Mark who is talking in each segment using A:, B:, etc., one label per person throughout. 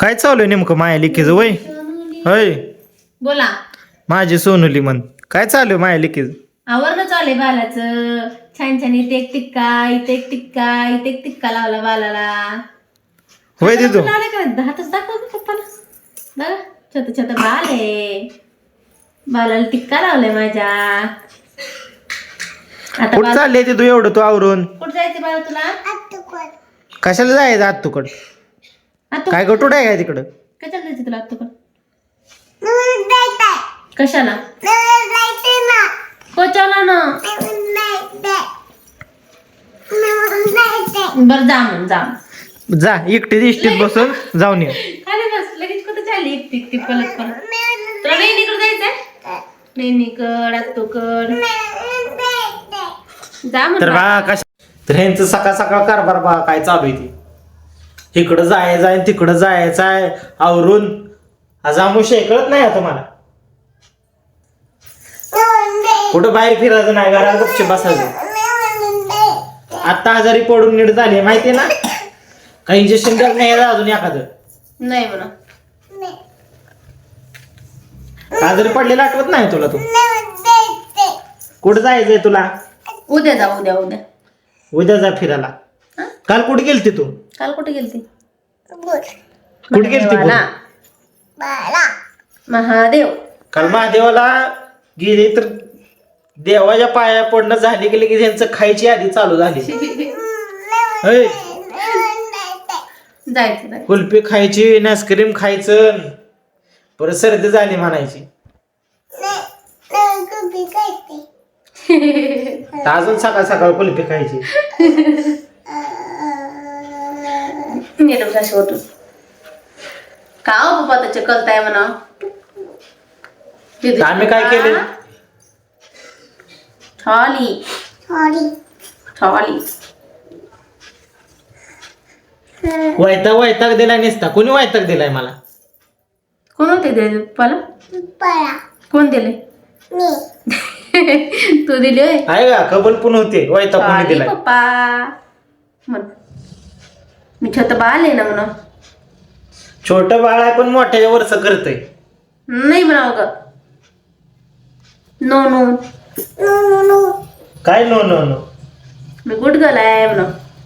A: काय चालू आहे नेमकं माया लिखीचं वय होय
B: बोला.
A: माझी सोनुली म्हण काय चालू आहे माया लिखीचं
B: आवरणं चालू बालाचं. छान छान इथे एक टिक्का, इथे एक टिक्का, इथे एक टिक्का लावला बालाला.
A: होय दिदू
B: हातच दाखव पप्पाला. बघा छोट छोट बाल आहे. बालाला टिक्का लावलाय माझ्या. आता
A: कुठं चालले दिदू एवढं तू आवरून
B: कुठं जायचं बाळा तुला?
A: कशाला जायचं आत तुकड काय गटूड आहे काय तिकडं
B: कशाला जायचं तुला आत्तूकडं? कशाला? कोचाला ना. बर जा मग जा.
A: जा एकटी इष्टीत बसून जाऊन ये
B: खाली बस. लगेच कुठं चालली एकटी एकटी पलट पलट. तुला वेणीकडे जायचंय? वेणीकड आत्तूकड जा मग.
A: तर बा कशा तर ह्यांचं सकाळ सकाळ कारभार बा काय चालू आहे ते इकडं जायचं आहे तिकडं जायचं आहे आवरून आज आमुष कळत नाही आता मला कुठं बाहेर फिरायचं नाही घरात गपचूप बसायचं. आता आजारी पडून नीट झाली माहितीये ना काही इंजेक्शन द्यायला नाही अजून एखादं
B: नाही म्हणा.
A: आजारी पडलेलं आठवत नाही तुला तू कुठं जायचंय तुला?
B: उद्या जा उद्या उद्या.
A: उद्या जा फिरायला. काल कुठे गेलती तू?
B: काल कुठे गेलती?
A: कुठे गेलती बोल?
B: महादेव.
A: काल महादेवाला गेली तर देवाच्या पाया पडणं झाली गेली की त्यांचं खायची आधी चालू झाली. होय.
B: जायचं
A: कुल्फी खायची आईस्क्रीम खायचं परत सर्दी झाली म्हणायची. अजून सकाळ सकाळ कुल्फी खायची.
B: होतो का हो पप्पा त्याचे कळताय म्हणा.
A: आम्ही काय केलं?
B: थाली थाली
A: वैताग दिलाय नसता कोणी वैताग दिलाय मला.
B: कोण होते दिले पप्पाला? कोण दिले? तू दिले
A: आहे का कबल पण होते वैताग कोणी दिलाय
B: पप्पा म्हण. मी छोट बाळ आहे ना म्हणा.
A: छोट बाळ आहे पण मोठ्याच्या वरच करतय
B: नाही म्हणाव ग. नो नो
A: काय नो नो नो
B: मी गुड गर्ल आहे म्हणा.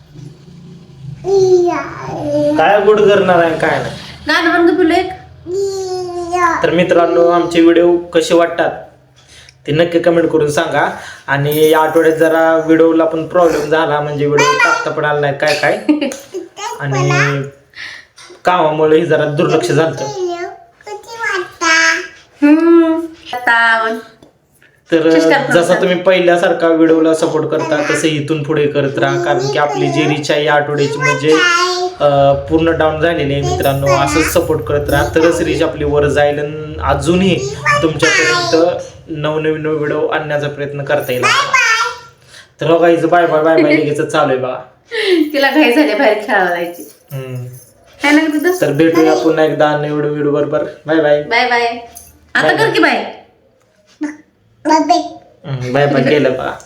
A: काय गुड करणार आहे काय नाही.
B: गाणं म्हण ग तुला एक.
A: तर मित्रांनो आमचे व्हिडिओ कसे वाटतात ते नक्की कमेंट करून सांगा. आणि या आठवड्यात जरा व्हिडिओला पण प्रॉब्लेम झाला म्हणजे व्हिडिओ टाकता पण आला नाही काय काय आणि कामामुळे जरा दुर्लक्ष झालं. तर जसा तुम्ही पहिल्यासारखा व्हिडिओला सपोर्ट करता तसं इथून पुढे करत राहा कारण की आपली जी रीच आहे या आठवड्याची म्हणजे पूर्ण डाऊन झालेली आहे मित्रांनो. असंच सपोर्ट करत राहा तरच रीच आपली वर जाईल आणि अजूनही तुमच्यापर्यंत नवनवीन व्हिडिओ आणण्याचा प्रयत्न करता येईल. तर बघा हिचं बाय बाय बाय बाय लगेच चालू आहे बघा.
B: तिला घाई झाली बाहेर खेळायला जायची.
A: तर भेटूया पुन्हा एकदा नवीन व्हिडिओ बरोबर. Bye bye
B: bye bye. आता कर की बाय.
A: बाय बाय केलं बघा.